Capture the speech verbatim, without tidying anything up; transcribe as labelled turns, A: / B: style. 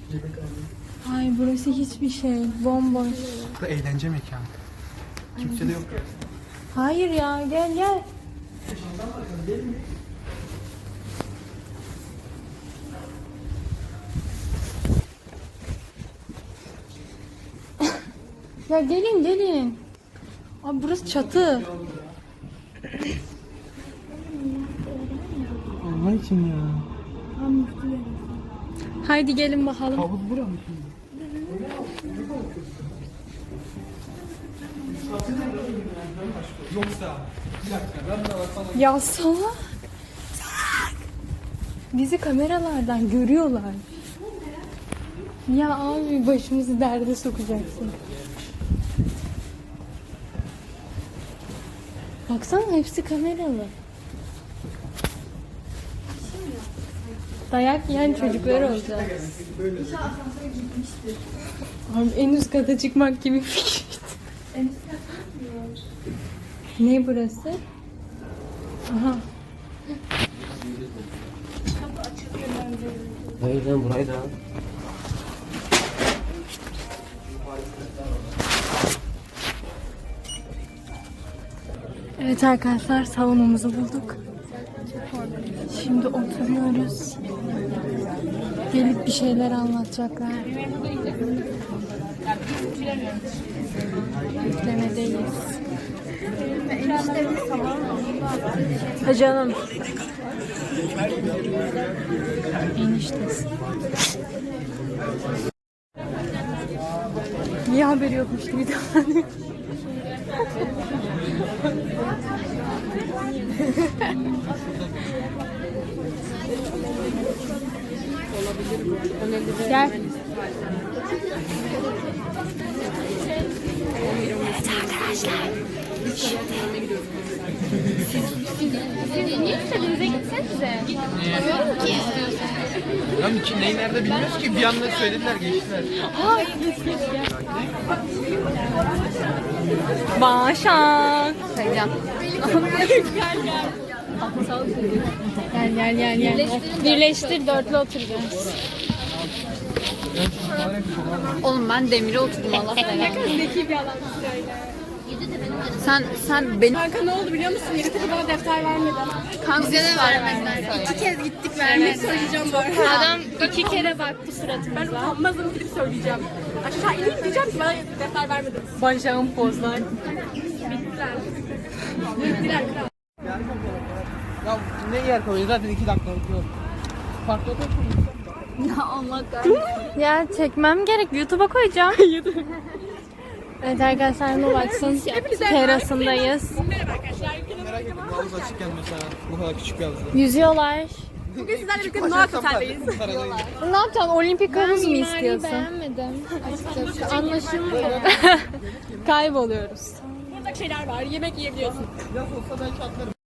A: Ay burası hiçbir şey. Bomboş.
B: Bu eğlence mekanı. Kimse de yok.
A: Hayır ya gel gel. Ya gelin gelin. Abi burası çatı.
B: Allah için ya.
A: Haydi gelin bakalım.
B: Havuz bura mı şimdi? Yoksa bir dakika ben de sana
A: Ya salak. Bizi kameralardan görüyorlar. Ya abi başımızı derde sokacaksın. Baksana hepsi kameralı. Dayak yiyen çocuklar olacak. Abi en üst kata çıkmak gibi fikirdi. Ne burası? Aha.
C: Hayır lan burayı da.
A: Evet arkadaşlar salonumuzu bulduk. Şimdi oturuyoruz. Gelip bir şeyler anlatacaklar. Yüklemedeyiz. Ha canım. Eniştesi. Niye haberi yokmuş gibi davranıyor? Gel. Evet arkadaşlar.
D: Niye istediğinize gitsenize? Bilmiyorum ki.
B: Lan ki neyi nerede bilmiyoruz ki bir anda söylediler geçtiler.
A: Başak.
D: Sayacağım.
A: Gel gel gel gel. Birleştir dörtlü oturacağız.
D: Oğlum ben demire oturdum Allah belanı.
A: Zeki bir adam.
D: Sen sen beni
A: Kanka ne oldu biliyor musun? Yedi tane bana defter vermedi.
D: kanka bize de vermediler.
A: İki kez gittik vermedi. Söyleyeceğim bu arada.
D: Adam iki kere baktı suratımıza.
A: Ben utanmazım gidip söyleyeceğim. Aşağı ineyim diyeceğim ki bana defter vermedi. Başak'ın pozlar. Bittiler. Bittiler kral.
B: Ya ne yer koyuyor zaten iki dakikalık yol. Farklı otel
D: Ya Allah kahretsin.
A: Ya çekmem gerek. YouTube'a koyacağım. Evet arkadaşlar bu baksın. Terasındayız.
B: merak ettim. Havuz açıkken mesela bu kadar küçük bir havuz.
A: Yüzüyorlar.
B: Bugün sizlerle birlikte Noak Otel'deyiz.
A: Ne yapacaksın? Olimpik havuz mu istiyorsun?
D: beğenmedim açıkçası. Anlaşılmıyor.
A: Kayboluyoruz.
E: Burada şeyler var. Yemek yiyebiliyorsun.
B: Yaz olsa belki atlarım.